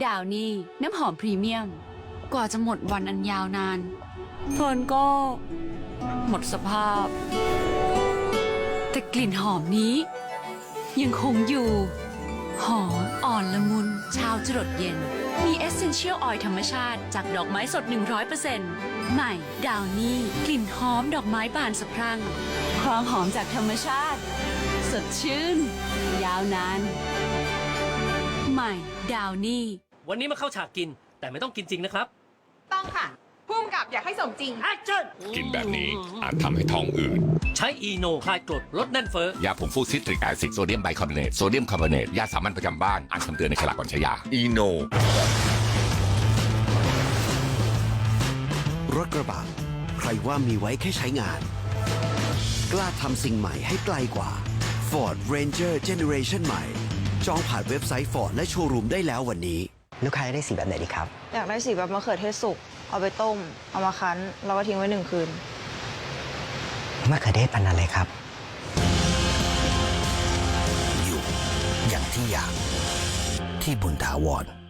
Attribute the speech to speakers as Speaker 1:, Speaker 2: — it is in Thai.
Speaker 1: ดาวนี่น้ำหอมพรีเมียมกว่าจะหมดวันอันยาวนานเฟิร์นก็หมดสภาพแต่กลิ่นหอมนี้ยังคงอยู่หอมอ่อนละมุนเช้าจรดเย็นมีเอสเซนเชียลออยล์ธรรมชาติจากดอกไม้สด 100% ใหม่ดาวนี่กลิ่นหอมดอกไม้บานสะพรั่งความหอมจากธรรมชาติสดชื่นยาวนานใหม่ดาวนี่
Speaker 2: วันนี้มาเข้าฉากกินแต่ไม่ต้องกินจริงนะครับ
Speaker 3: ต้องค่ะพุ่มกับอยากให้สมจริง
Speaker 2: แอคชั่น
Speaker 4: กินแบบนี้อาจทำให้ท้องอืด
Speaker 2: ใช้อีโนคลายกรดลดแน่นเฟ้อย
Speaker 4: าผงฟูซิตริกแอซิดโซเดียมไบคาร์บอเนตโซเดียมคาร์บอเนตยาสามัญประจำบ้านอ่านคำเตือนในฉลากก่อนใช้ยาอีโน
Speaker 5: รถกระบะใครว่ามีไว้แค่ใช้งาน กล้าทำสิ่งใหม่ให้ไกลกว่า Ford Ranger Generation ใหม่ จองผ่านเว็บไซต์ Ford และโชว์รูมได้แล้ววันนี้
Speaker 6: ลูกค้าได้สีแบบไหนดีครับ
Speaker 7: อยากได้สีแบบมะเขือเทศสุก เอาไปต้ม เอามาคั้น แล้วก็ทิ้งไว้1 คืน
Speaker 6: มะเขือเทศพันธุ์อะไรครับ
Speaker 5: อยู่อย่างที่อยากที่บุญถาวร